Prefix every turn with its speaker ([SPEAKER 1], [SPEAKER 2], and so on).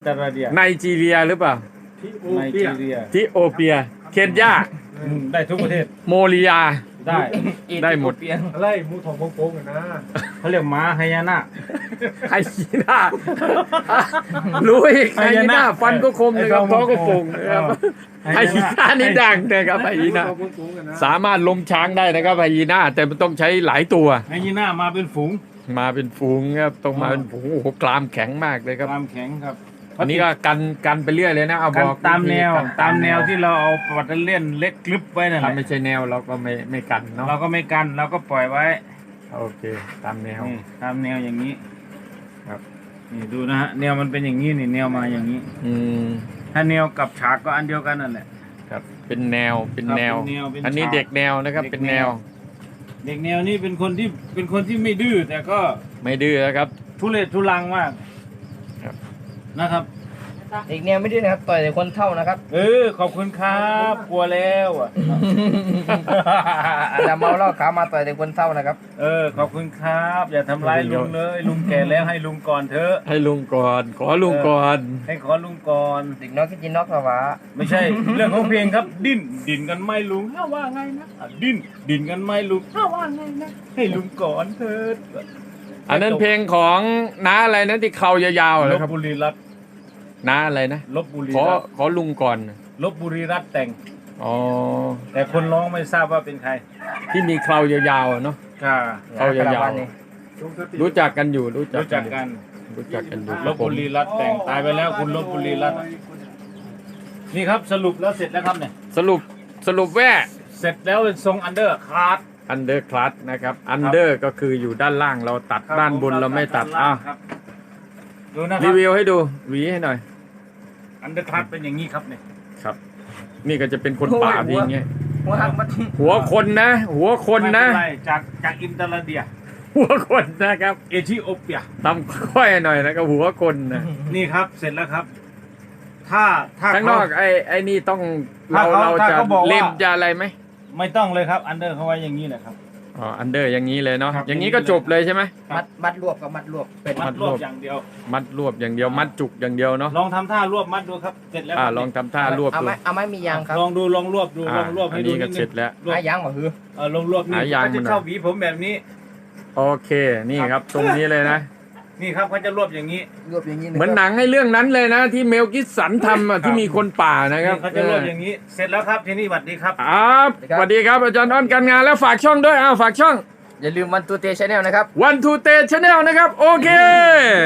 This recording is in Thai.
[SPEAKER 1] ราเดีย
[SPEAKER 2] ไนจีเรียหรือเปล่า
[SPEAKER 1] ไนจีเรีย
[SPEAKER 2] ทิโอเปีย เคนยา
[SPEAKER 1] ได้ทุกประเทศ
[SPEAKER 2] โมริยา
[SPEAKER 1] ได้
[SPEAKER 2] ได้หมด
[SPEAKER 3] อะไรมูทองโป่งๆนะ
[SPEAKER 1] เขาเรียกม้าไฮยาน่า
[SPEAKER 2] ไฮยีน่ารู้อีกไฮยีน่าฟันก็คมนะครับท้องก็โป่งนะครับไฮยีน่านี่ดังนะครับไฮยีน่าสามารถล้มช้างได้นะครับไฮยีน่าแต่มันต้องใช้หลายตัว
[SPEAKER 1] ไฮยีน่ามาเป็นฝูง
[SPEAKER 2] มาเป็นฝูงครับต้องมาเป็นฝูงโอ้โหกรามแข็งมากเลยครับ
[SPEAKER 1] ความแข็งครับ
[SPEAKER 2] อันนี้ก็กันไปเรื่อยเลยนะเอาบ
[SPEAKER 1] กัน
[SPEAKER 2] อก
[SPEAKER 1] ตามแนว
[SPEAKER 2] กัน
[SPEAKER 1] ตามแนวที่เราเอาปัตเตอร์เลียนเล็กกลึบไว้นั่นแห
[SPEAKER 2] ถ้า
[SPEAKER 1] ละ
[SPEAKER 2] ไม่ใช่แนวเราก็ไม่กันเนาะ
[SPEAKER 1] เราก็ไม่กันเราก็ปล่อยไว้
[SPEAKER 2] โอเคตามแนว
[SPEAKER 1] นี่ตามแนวอย่างนี้
[SPEAKER 2] ครับ
[SPEAKER 1] นี่ดูนะฮะแนวมันเป็นอย่างนี้นี่แนวมาอย่างนี้
[SPEAKER 2] อืม
[SPEAKER 1] ถ้าแนวกับฉากก็อันเดียวกันนั่นแหละ
[SPEAKER 2] ครับเป็นแนวเป็นแนว
[SPEAKER 1] ครับเป็นแนวเป็น
[SPEAKER 2] อันนี้
[SPEAKER 1] ฉาก
[SPEAKER 2] เด็กแนวนะครับ
[SPEAKER 1] เด็ก
[SPEAKER 2] เป็นแนว
[SPEAKER 1] เด็กแนวนี้เป็นคนที่ไม่ดื้อแต่ก็
[SPEAKER 2] ไม่ดื้อนะครับ
[SPEAKER 1] ทุเรศทุลังมาก
[SPEAKER 2] ครับ
[SPEAKER 1] นะครับ
[SPEAKER 4] อีกแนวไม่ดื้อนะครับต่อยแต่คนเท่านะครับ
[SPEAKER 1] ขอบคุณครับกลัวแล้วอ่ะ
[SPEAKER 4] อาจจะเมาเหล้าขาวมาต่อยแต่คนเท่านะครับ
[SPEAKER 1] ขอบคุณครับ อย่าทำร้ายลุงเลยลุงแก่แล้วให้ลุงก่อนเถอะ
[SPEAKER 2] ให้ลุงก่อนขอลุงก่อน
[SPEAKER 1] ให้ขอลุงก่อน
[SPEAKER 4] เด็กน้อยคิดจินนอกสวะ
[SPEAKER 1] ไม่ใช่ เรื่องของเพลงครับ ดิ้นกันไหม่ลุงถ้าว่าไงนะดิ้นกันไหม่ลุงถ้าว่าไงนะให้ลุงก่อนเถิด
[SPEAKER 2] อันนั้นเพลงของน้าอะไรนะที่เขายาวๆ
[SPEAKER 1] ล
[SPEAKER 2] เลย
[SPEAKER 1] บ
[SPEAKER 2] ครับ
[SPEAKER 1] บุรีรัตน์
[SPEAKER 2] น้าอะไรนะ
[SPEAKER 1] ลบบุรี
[SPEAKER 2] ขอ
[SPEAKER 1] รัตน์
[SPEAKER 2] ขอลุงก่อน
[SPEAKER 1] ลบบุรีรัตน์แต่ง
[SPEAKER 2] อ๋อ
[SPEAKER 1] แต่คนร้องไม่ทราบว่าเป็นใคร
[SPEAKER 2] ที่มีเครายาวๆอะเนาะ
[SPEAKER 1] ค่ะ
[SPEAKER 2] เขายาว
[SPEAKER 4] นี่
[SPEAKER 2] ๆรู้จักกันอยู่รู้จัก
[SPEAKER 1] รู้จักกัน
[SPEAKER 2] รู้จักกันอยู่ค
[SPEAKER 1] ล
[SPEAKER 2] รับบ ผม
[SPEAKER 1] บุรีรัตน์แต่งตายไปแล้วคุณลบบุรีรัตน์นี่ครับสรุปแล้วเสร็จแล้วครับเนี่ย
[SPEAKER 2] สรุปแว่
[SPEAKER 1] เสร็จแล้วเป็นทรงอันเดอร์คาร์ด
[SPEAKER 2] อันเดอร์คลัสนะครับอันเดอร์ก็คืออยู่ด้านล่างเราตัดด้านบนเราไม่ตัดอ้าว
[SPEAKER 1] ดูนะค
[SPEAKER 2] รี
[SPEAKER 1] รับ
[SPEAKER 2] วิวให้ดูหวีให้หน่อย
[SPEAKER 1] อันเดอร์คาร์ดเป็นอย่างนี้ครับเนี่ย
[SPEAKER 2] ครับ นี่ก็จะเป็นคนป่าดีอย่างเงี้ย
[SPEAKER 4] หัวหักมา
[SPEAKER 2] หัวคนนะ หัวคนนะ
[SPEAKER 1] ไม่เป็ไรจากอินเตอร์เดีย
[SPEAKER 2] หัวคนนะครับ
[SPEAKER 1] เอธิโอเปีย
[SPEAKER 2] ทำค่อยหน่อยนะครับหัวคนนะ
[SPEAKER 1] นี่ครับเสร็จแล้วครับ ถ้า
[SPEAKER 2] ข้างนอกไอ้นี่ต้อง
[SPEAKER 1] ถ้าเขา
[SPEAKER 2] เรา
[SPEAKER 1] ถ้า
[SPEAKER 2] จะ
[SPEAKER 1] เขาบอกว่า
[SPEAKER 2] เล่มจะอะไรไหม
[SPEAKER 1] ไม่ต้องเลยครับอันเดอร์เขาไว้อย่างนี้แหละครับ
[SPEAKER 2] อ๋ออันเดอร์อย่างนี้เลยเนาะ
[SPEAKER 1] ครับ
[SPEAKER 2] อย่างนี้ก็จบเลยใช่ไหม
[SPEAKER 4] มัดรวบกับมัดรวบเป็น
[SPEAKER 1] มัดรวบอย่างเดียว
[SPEAKER 2] มัดรวบอย่างเดียวมัดจุกอย่างเดียวเนาะ
[SPEAKER 1] ลองทำท่ารวบมัดดูครับเสร็จแล้ว
[SPEAKER 2] ลองทำท่ารวบ
[SPEAKER 4] เอา
[SPEAKER 2] ดู
[SPEAKER 4] ไหมมียางครับ
[SPEAKER 1] ลองดูลองรวบดูลองรวบ
[SPEAKER 2] อั
[SPEAKER 1] ให้
[SPEAKER 2] น
[SPEAKER 1] ดู
[SPEAKER 2] นี้ก็
[SPEAKER 1] นิด
[SPEAKER 2] เสร็จ
[SPEAKER 1] นึง
[SPEAKER 2] แล้ว
[SPEAKER 4] หายางมาหือ
[SPEAKER 1] ลองรวบนี่
[SPEAKER 2] หายาง
[SPEAKER 1] เขาจะ
[SPEAKER 2] มันหน่อย
[SPEAKER 1] เข้าหวีผมแบบนี้
[SPEAKER 2] โอเคนี่ครับ ตรงนี้เลยนะ
[SPEAKER 1] นี่ครับเขาจะรวบอย่างนี้
[SPEAKER 4] รวบอย่างนี้
[SPEAKER 2] เหมือนหนังให้เรื่องนั้นเลยนะ ที่เมลกิสสันทำอะที่มีคนป่านะครับ
[SPEAKER 1] นี่เขาจะรวบอย่างนี้ เสร็จแล้วครับทีนี้สวัสดีครับ
[SPEAKER 2] ครับสวัสดีครับอาจารย์อ้อนการงานแล้วฝากช่องด้วยฝากช่อง
[SPEAKER 4] อย่าลืมวันตัวเตชแนลนะครับ
[SPEAKER 2] One Two Tea Channel นะครับ โอเค